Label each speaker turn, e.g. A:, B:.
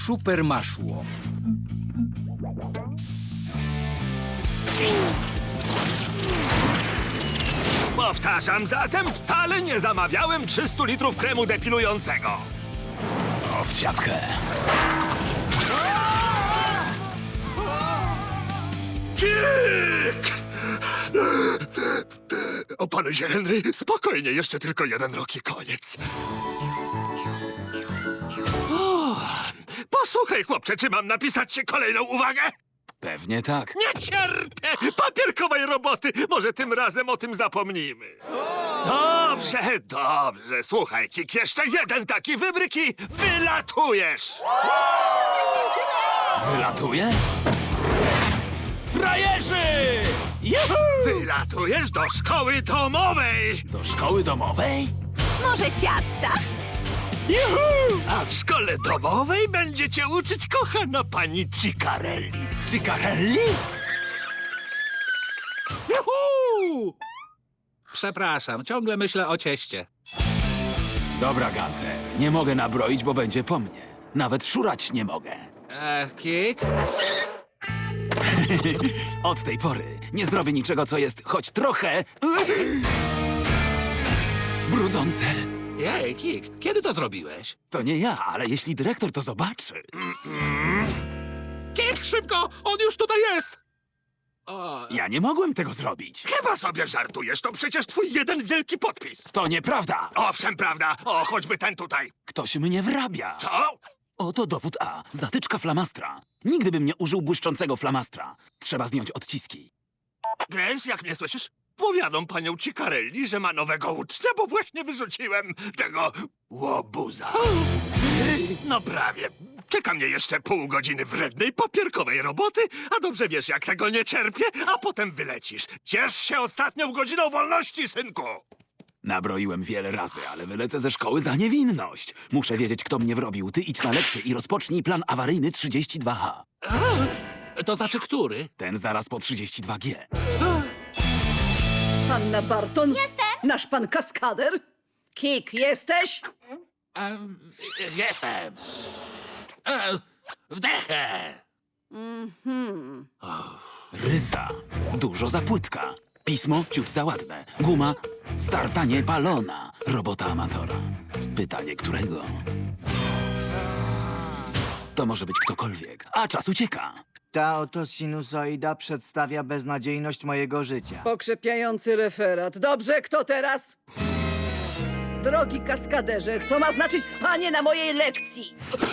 A: Supermaszło.
B: Powtarzam zatem, wcale nie zamawiałem 300 litrów kremu depilującego.
C: O, w ciapkę.
B: Kik! Opanuj się, Henry. Spokojnie, jeszcze tylko 1 rok i koniec. O, posłuchaj, chłopcze, czy mam napisać ci kolejną uwagę?
C: Pewnie tak.
B: Nie cierpię papierkowej roboty. Może tym razem o tym zapomnimy. Dobrze, dobrze. Słuchaj, Kik, jeszcze 1 taki wybryk i wylatujesz.
C: Wylatuje? Frajerzy! Juhu!
B: Wylatujesz do szkoły domowej.
C: Do szkoły domowej?
D: Może ciasta?
C: Juhu!
B: A w szkole domowej będzie cię uczyć kochana pani Ciccarelli.
C: Ciccarelli?
A: Juhu! Przepraszam, ciągle myślę o cieście.
C: Dobra, Gunter. Nie mogę nabroić, bo będzie po mnie. Nawet szurać nie mogę.
A: Kik?
C: Od tej pory nie zrobię niczego, co jest choć trochę... brudzące.
A: Jej, Kik, kiedy to zrobiłeś?
C: To nie ja, ale jeśli dyrektor to zobaczy...
A: Kik, szybko! On już tutaj jest! O,
C: Ja nie mogłem tego zrobić.
B: Chyba sobie żartujesz, to przecież twój 1 wielki podpis.
C: To nieprawda.
B: Owszem, prawda. O, choćby ten tutaj.
C: Ktoś mnie wrabia.
B: Co?
C: Oto dowód A. Zatyczka flamastra. Nigdy bym nie użył błyszczącego flamastra. Trzeba zdjąć odciski.
B: Grace, jak mnie słyszysz? Powiadam panią Ciccarelli, że ma nowego ucznia, bo właśnie wyrzuciłem tego łobuza. No prawie. Czeka mnie jeszcze pół godziny wrednej, papierkowej roboty, a dobrze wiesz, jak tego nie cierpię, a potem wylecisz. Ciesz się ostatnią godziną wolności, synku!
C: Nabroiłem wiele razy, ale wylecę ze szkoły za niewinność. Muszę wiedzieć, kto mnie wrobił. Ty idź na lekcję i rozpocznij plan awaryjny 32H.
A: to znaczy który?
C: Ten zaraz po 32G.
E: Panna Barton?
D: Jestem.
E: Nasz pan kaskader? Kik, jesteś?
A: Jestem. Wdechę.
C: Rysa. Dużo za płytka. Pismo ciut za ładne. Guma starta niepalona. Robota amatora. Pytanie którego? To może być ktokolwiek. A czas ucieka.
F: Ta oto sinusoida przedstawia beznadziejność mojego życia.
E: Pokrzepiający referat. Dobrze, kto teraz? Drogi kaskaderze, co ma znaczyć spanie na mojej lekcji?